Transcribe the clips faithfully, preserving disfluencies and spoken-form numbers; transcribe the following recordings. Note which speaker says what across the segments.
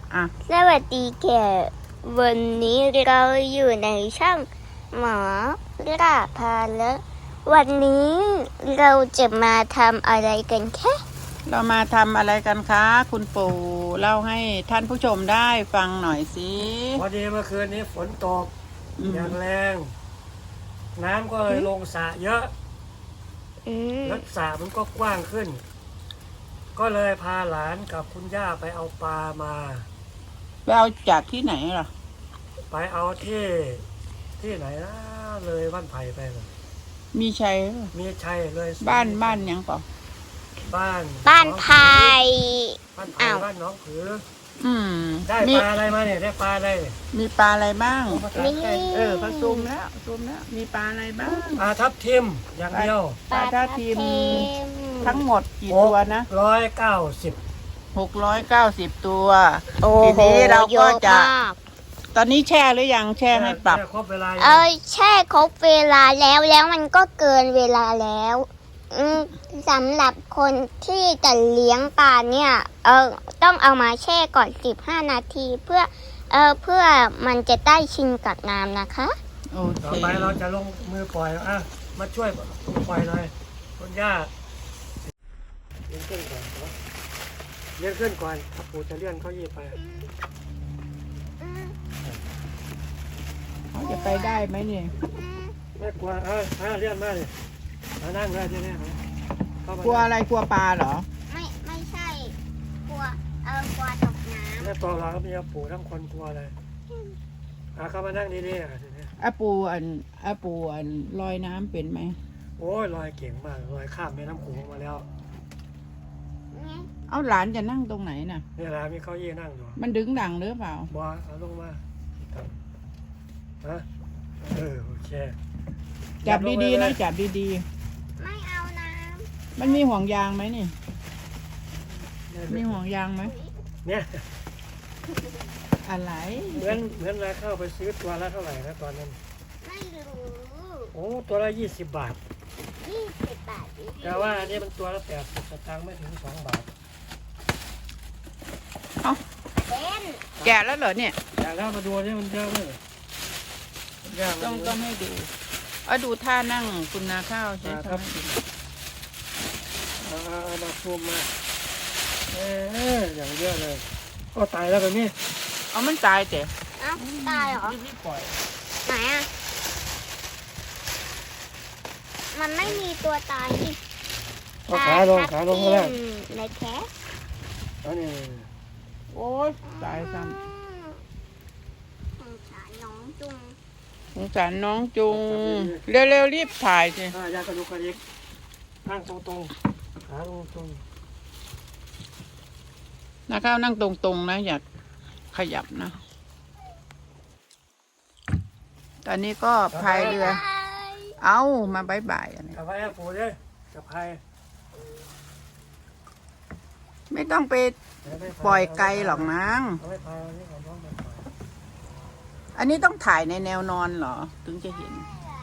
Speaker 1: อ่ะ
Speaker 2: สวัสดีแกวันนี้เราอยู่ในช่องหมอราพาและวันนี้เราจะมาทำอะไรกันแค่
Speaker 1: เรามาทำอะไรกันคะคุณปู่เล่าให้ท่านผู้ชมได้ฟังหน่อยสิ
Speaker 3: พอดีเมื่อคืนนี้ฝนตกอย่างแรงน้ำก็เลยลงสระเยอะแล้วสระมันก็กว้างขึ้น ก็เลยพาหลานกับคุณย่าไปเอาปลามา
Speaker 1: ไปเอาจากที่ไหนล่ะ
Speaker 3: ไปเอาที่ที่ไหนนะเลยบ้านไผ่ไปเลย
Speaker 1: มีชัย
Speaker 3: มีชัยเลย
Speaker 1: บ้านบ้านยังเปล่า
Speaker 3: บ้าน
Speaker 2: บ้านไผ่
Speaker 3: บ้านไผ่บ้านน้องผือ
Speaker 1: อืม
Speaker 3: ได้ปลาอะไรมาเนี่ยได้ปลาอะไร
Speaker 1: มีปลาอะไรบ้าง
Speaker 2: มี
Speaker 1: เออผสมแล้วผสมแล้วมีปลาอะไรบ้าง
Speaker 3: ปลาทับทิมอย่างเดียว
Speaker 1: ปลาทับทิมทั้งหมดกี่ตัวนะ
Speaker 3: ร้อยเก้าสิบ
Speaker 1: หกร้อยเก้าสิบตัว
Speaker 2: ที
Speaker 1: นี้เราก็จะตอนนี้แช่หรือยังแช่ให้ปรับ
Speaker 2: เออแช่ครบเวลาแล้วแล้วมันก็เกินเวลาแล้วสำหรับคนที่จะเลี้ยงปลาเนี่ยเออต้องเอามาแช่ก่อนสิบห้านาทีเพื่อเออเพื่อมันจะได้ชินกับน้ำนะคะ
Speaker 1: โอเค
Speaker 3: ต่อไปเราจะลงมือปล่อยอ่ะมาช่วยปล่อยหน่อยคุณย่าเลี้ยงขึ้นก่อนเลี้ยงขึ้นก่อนถ้าปู่จะเลี้ยงเขายีไป
Speaker 1: เขาจะไปได้ไหมเนี่ย
Speaker 3: ไม่กลัวเออเลี้ยงมาเลยมานั่งได้ใช่ไหม
Speaker 1: กลัวอะไรกลัวปลาเหรอ
Speaker 2: ไม่ไม่ใช่กลัวเออกลัวตกน้ำ
Speaker 3: แล้วตัวเราก็มีปู่ทั้งคนกลัวเลยอ่ะเข้ามานั่งดีๆอ่ะทีนี้
Speaker 1: อาปูอันอาปูอันลอยน้ำเป็นไหม
Speaker 3: โอ้ยลอยเก่งมากลอยข้ามแม่น้ำโขงมาแล้ว
Speaker 1: เอาหลานจะนั่งตรงไหนน่ะ
Speaker 3: นี่หลานมีเก้าอี้นั่งอยู่
Speaker 1: มันดึงดังหรือเปล่า
Speaker 3: บ่เอาลงมาฮะเออโอเค
Speaker 1: จับดีๆนะจับดี
Speaker 2: ๆไม่เอาน้
Speaker 1: ำมันมีห่วงยางไหมนี่มีห่วงยางไหม
Speaker 3: เนี่ย
Speaker 1: อะไร
Speaker 3: เหมือนเหมือนราคาไปซื้อตัวละเท่าไหร่นะตอนนั้น
Speaker 2: ไม่รู้
Speaker 3: โอ้ตัวละยี่สิบบาท
Speaker 2: ยี่สิบบาท
Speaker 3: แต่ว่าอันนี้มันตัวละแปดสิบสตางค์ไม่ถึงสองบาท
Speaker 1: เอาแกะแล้วเหรอเนี่ย
Speaker 3: แกะแล้วมาดูนี่มันเยอะเลย
Speaker 1: ต้องต้องให้ดูเอาดูท่านั่งคุณนาข้าวใช่ไหมครับ
Speaker 3: เอาเอามาซูมมาเอออย่างเยอะเลยก็ตายแล้วแบบนี้
Speaker 1: เอามันตายเจ๊
Speaker 2: อ้าวตายเหรอ
Speaker 3: รีบปล่อย
Speaker 2: ไหนอ่ะมันไม่มีตัวตายนี่
Speaker 3: ขาลงขาลงก็ได้
Speaker 2: ในแคส
Speaker 3: อันนี้
Speaker 1: โอ้ยตายซ้ำ
Speaker 2: สงสารน้องจุง
Speaker 1: สงสารน้องจุงเร็วๆรีบถ่ายสิ
Speaker 3: ยากระดูกกระดิกนั่งตรงๆขาลงตรง
Speaker 1: นะข้าวนั่งตรงๆนะอย่าขยับนะตอนนี้ก็พายเรือเอามาบายบายอันนี้
Speaker 3: กับพายปูเลยกับพาย
Speaker 1: ไม่ต้องไปปล่อยไกลหรอกนางอันนี้ต้องถ่ายในแนวนอนเหรอถึงจะเห็น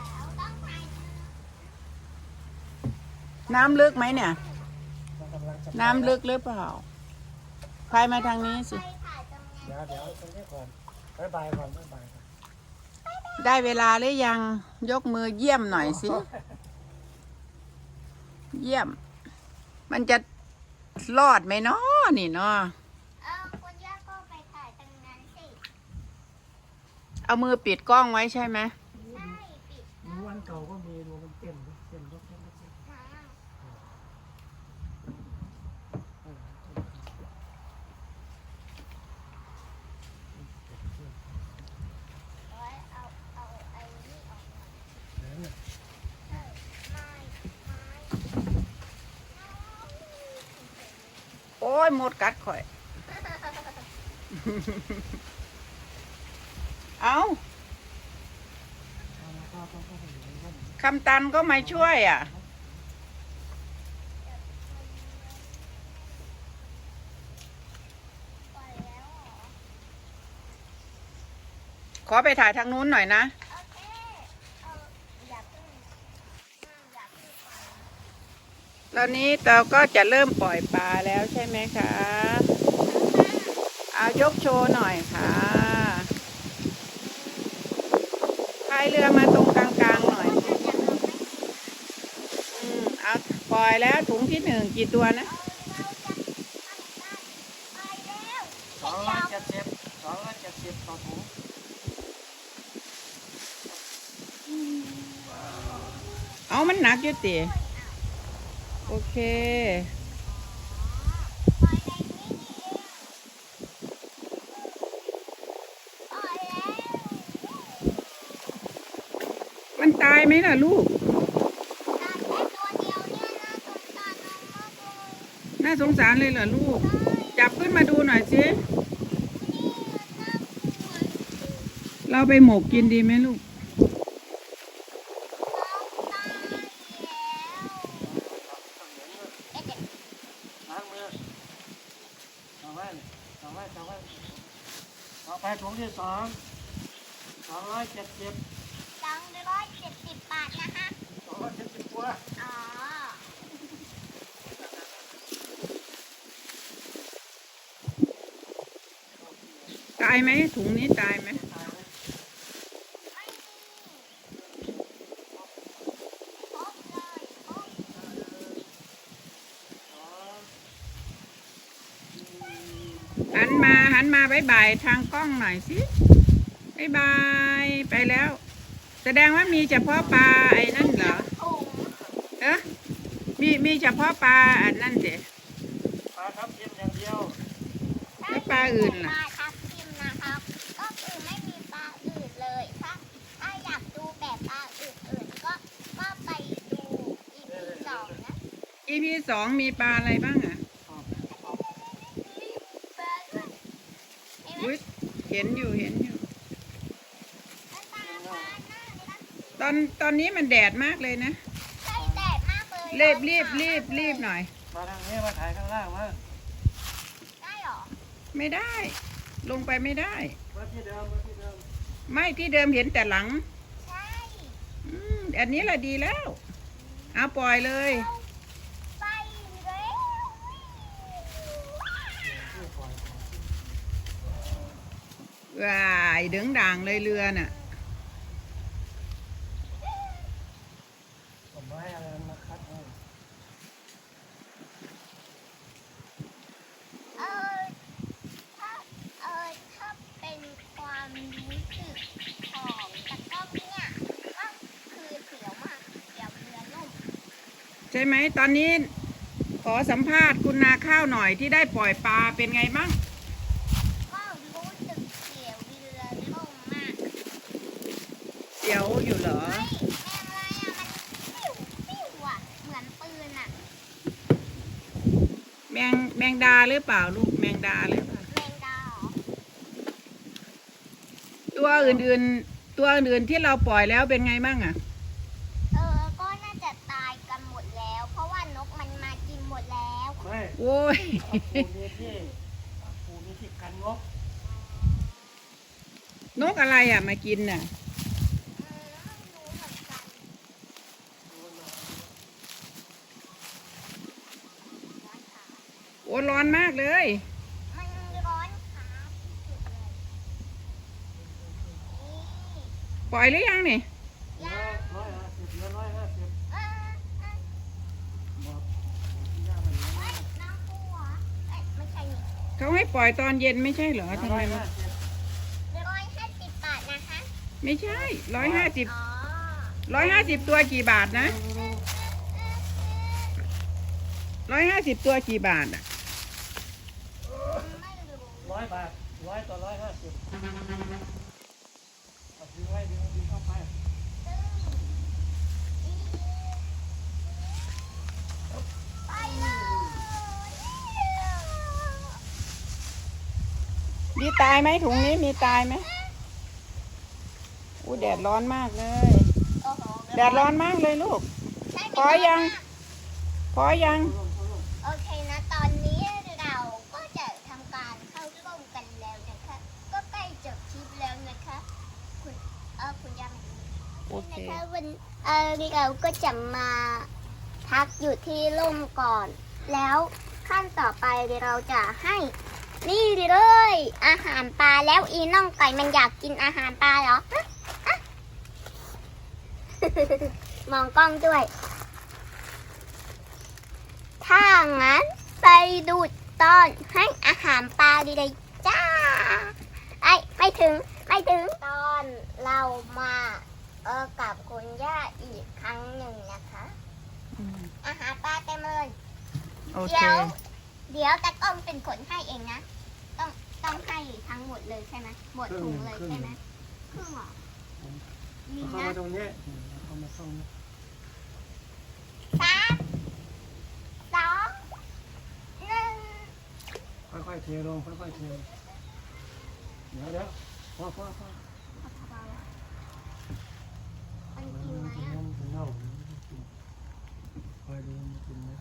Speaker 1: น้ำลึกไหมเนี่ยน้ำลึกหรือเปล่าพายมาทางนี้สิ
Speaker 3: เดี๋ยวเดี๋ยวตรงนี้ก่อนบายบายก่อนบายบาย
Speaker 1: ได้เวลาหรือยังยกมือเยี่ยมหน่อยสิเยี่ยมมันจะรอดไหมเนาะนี่เนาะ
Speaker 2: คุณย่าก็ไปถ่ายตรงนั้นสิ
Speaker 1: เอามือปิดกล้องไว้ใช่ไหม
Speaker 2: ใช่ปิด
Speaker 3: วันเก่าก็มีดูมันเต็มเต็มรถเต็มรถเต็ม
Speaker 1: โอ้ยหมดกัดข่อยเอาคำตันก็มาช่วยอ่ะขอไปถ่ายทางนู้นหน่อยนะตอนนี้เราก็จะเริ่มปล่อยปลาแล้วใช่ไหมคะเอายกโชว์หน่อยค่ะพายเรือมาตรงกลางๆหน่อยอืมเอาปล่อยแล้วถุงที่หนึ่งกี่ตัวนะ
Speaker 3: สองร้อยเจ็ดสิบสองร้อยเจ็ดสิบต่อถุง
Speaker 1: เอามันหนักอยู่ติโอเคมันตายไหมล่ะลูกน่าสงสารเลยเหรอลูกจับขึ้นมาดูหน่อยสิเราไปหมกกินดีไหมลูก
Speaker 3: ล้างมือเอาไว้เอาไว้เอาไว้ต่อไปถุงที่สองสองร้อยเจ็ดสิบ
Speaker 2: สองร้อยเจ็ดสิบบาทนะคะ
Speaker 3: สองร้อยเจ็ดสิบตัว
Speaker 2: อ๋อ
Speaker 1: ตายไหมถุงนี้ตายไหม
Speaker 3: ตายไหม
Speaker 2: ไม่มีครบเลยครบ
Speaker 1: หันมาหันมาบายบายทางกล้องหน่อยสิบายบายไปแล้ว แสดงว่ามีเฉพาะปลาไอ้นั่นเหรอ
Speaker 2: ถุง
Speaker 1: เอ๊ะมีมีเฉพาะปลาอันนั่นเด็
Speaker 3: ปลาทับทิมอย่างเดียว
Speaker 1: แล้วปลาอื่น
Speaker 2: ป
Speaker 1: ล่ะ
Speaker 2: ลาทับทิมนะครับ ก็คือไม่มีปลาอื่นเลยถ้าถ้าอยากดูแบบปลาอื่นๆก็ก็ไปดู อี พี สองนะ
Speaker 1: อีพีสองมีปลาอะไรบ้างอ่ะ
Speaker 2: ปลาด้วยเห็นไหม
Speaker 1: อุ๊ยเห็นอยู่เห็นอยู่
Speaker 2: ปลาปลาหน้าเลยนะ
Speaker 1: ตอนตอนนี้มันแดดมากเลยนะ
Speaker 2: ใช่แดดมากเลย
Speaker 1: รีบรีบรีบรีบหน่อย
Speaker 3: มาทางนี้มาถ่ายข้างล่างมา
Speaker 2: ได้เหรอ
Speaker 1: ไม่ได้ ลงไปไม่ได้
Speaker 3: มาที่เดิมมาที่เดิม
Speaker 1: ไม่ที่เดิมเห็นแต่หลัง
Speaker 2: ใช่
Speaker 1: อืมอันนี้แหละดีแล้ว เอาปล่อยเลย
Speaker 2: ไปแล้ว
Speaker 1: ว้ายดึงด่างเลยเรือน่ะ
Speaker 3: ผมไม้อะไรมาคัดให้
Speaker 2: เออถ้าเออถ้าเป็นความรู้สึกของตะกร้อเนี่ยก็คือเสียวมากเสียวเรือล่ม
Speaker 1: ใช่ไหมตอนนี้ขอสัมภาษณ์คุณนาข้าวหน่อยที่ได้ปล่อยปลาเป็นไงบ้าง
Speaker 2: ก็รู้สึกเสียวเรือล่มมาก
Speaker 1: เสียวอยู่เหรอ
Speaker 2: เฮ้ยแมงอะไรอ่ะมันปิ้วปิ้วอ่ะเหมือนปืนอ่ะ
Speaker 1: แมงแมงดาหรือเปล่าลูกแมงดาหรือเปล่า
Speaker 2: แมงดาเหรอ
Speaker 1: ตัวอื่นๆ ตัวอื่นๆที่เราปล่อยแล้วเป็นไงบ้างอ่ะ
Speaker 2: เออก็น่าจะตายกันหมดแล้ว เพราะว่านกมันมากินหมดแล้ว
Speaker 3: ไม่
Speaker 1: โอ้ย
Speaker 3: ปูมีที่ปูมีที่กันงบ
Speaker 1: นกอะไรอ่ะมากินน่ะ
Speaker 2: เออไม่รู้เหมือนกัน
Speaker 1: โอ้ร้อนมากเลย
Speaker 2: มันร้อนขาสุดเลยนี่
Speaker 1: ปล่อยหรือยังนี่
Speaker 2: ยา
Speaker 3: ร้อยห้าสิบเหลือร้อยห้าสิบ
Speaker 2: เออเออ
Speaker 3: บอกย่ามันเหลือ
Speaker 2: เอ้ยน้ำปูเหรอเอ้ยไม่ใช่นี่
Speaker 1: เขาให้ปล่อยตอนเย็นไม่ใช่เหรอทำ
Speaker 3: ร้
Speaker 1: ไม
Speaker 3: อย
Speaker 1: มั
Speaker 3: ห้าน สิบ
Speaker 2: ร้อยห้าสิบบาทนะคะ
Speaker 1: ไม่ใช่ร้อยห้าสิบ
Speaker 2: อ๋อ
Speaker 1: ร้อยห้าสิบตัวกี่บาทนะ
Speaker 2: เออเออเออ
Speaker 1: ร้อยห้าสิบตัวกี่บาทอ่ะ
Speaker 2: ไม่รู้
Speaker 3: ร้อยบาทร้อยต่อร้อยห้าสิบเอาถือไว้ดึงดึงเข้าไป
Speaker 2: ไปเลย
Speaker 1: มีตายไหมถุงนี้มีตายไหมอู้แดดร้อนมากเลย
Speaker 2: โอ้โห
Speaker 1: แดดร้อนมากเลยลูก
Speaker 2: ใช่ไหม
Speaker 1: พอยัง พอยัง
Speaker 2: โอเคนะ ตอนนี้เราก็จะทำการเข้าร่วมกันแล้วนะคะ ก็ใกล้จบคลิปแล้วนะคะ คุณเออคุณยาม
Speaker 1: โอเค
Speaker 2: นะคะวันเออเราก็จะมาพักอยู่ที่ร่มก่อน แล้วขั้นต่อไปเราจะให้นี่เลย อาหารปลาแล้วอีน้องไก่มันอยากกินอาหารปลาเหรอฮะฮะ มองกล้องด้วย ถ้างั้นไปดูตอนให้อาหารปลาดีเลยจ้าไอ้ไม่ถึงไม่ถึงตอนเรามาเออกับคุณย่าอีกครั้งหนึ่งนะคะ
Speaker 1: อืม
Speaker 2: อาหารปลาเต็มเลย
Speaker 1: โอเค
Speaker 2: เดี๋ยว เดี๋ยวตะก้องเป็นคนให้เองนะ ต้องต้องให้ทั้งหมดเลยใช่ไหมหมดถุงเลยใช่ไหมครึ่งเหรอมี
Speaker 3: เข้า
Speaker 2: นะ
Speaker 3: มาตรงนี้เข้ามาตรงนี้
Speaker 2: สามสองหนึ่ง
Speaker 3: ค่อยๆเทลงค่อยๆเทเดี๋ยวเดี๋ยวพ่อพ่อพ่อ
Speaker 2: มันกินไหม
Speaker 3: กิน
Speaker 2: อ่ะ
Speaker 3: น้ำกินเหล้าคอยดูมันกินไหม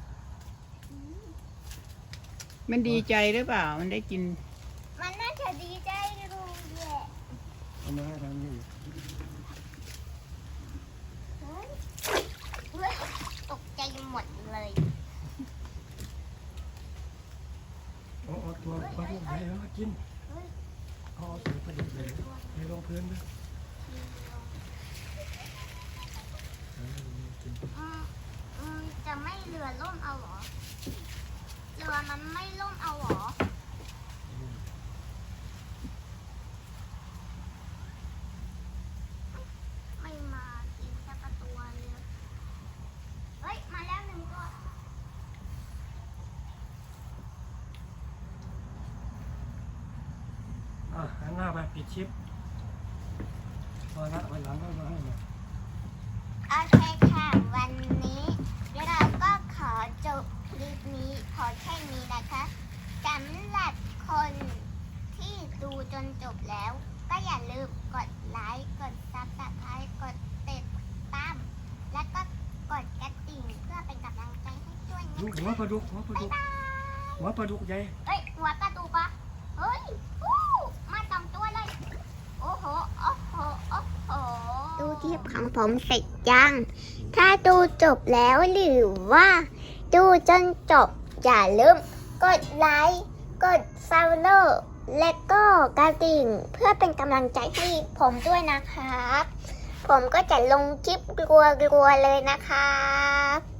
Speaker 1: มันดีใจหรือเปล่า มันได้กิน
Speaker 2: มันน่าจะดีใจรู้แหละ
Speaker 3: เอามาให้ทางนี้อีก
Speaker 2: เฮ้ยเว้ยตกใจหมดเลย
Speaker 3: เอาเอาตัวปลาดุกใหญ่มากินเอาเอาตัวปลาดุกใหญ่เทลงพื้นด้วย
Speaker 2: อืมอืมจะไม่เรือล่มเอาเหรอ เรือมันไม่ล่มเอาเหรอ ไม่มากินสักตัวเลยเฮ้ย มาแล้วหนึ่งตัว
Speaker 3: อ่ะหันหน้าไปปิดชิปพอละวันหลังก็มาให้ใหม่
Speaker 2: โอเคค่ะ วันนี้เราก็ขอจบคลิปนี้พอแค่นี้นะคะสำหรับคนที่ดูจนจบแล้ว ก็อย่าลืมกดไลค์กดซับสไครต์กดติดตามและก็กดกระดิ่งเพื่อเป็นกำลังใจให้ด้วยนะ
Speaker 3: ดูหัวปลาดุกหัวปลา
Speaker 2: บ๊า
Speaker 3: ดุ
Speaker 2: ย
Speaker 3: ก
Speaker 2: บาย
Speaker 3: หัวปลาดุกใหญ่
Speaker 2: เฮ้ย หัวปลาดุกอ่ะเฮ้ยอู้มาสองตัวเลย โอ้โห โอ้โห โอ้โห ดูคลิปของผมเสร็จยัง ถ้าดูจบแล้วหรือว่าดูจนจบ อย่าลืมกดไลค์ กด follow และก็กระดิ่งเพื่อเป็นกำลังใจให้ผมด้วยนะครับ ผมก็จะลงคลิปรัวๆเลยนะครับ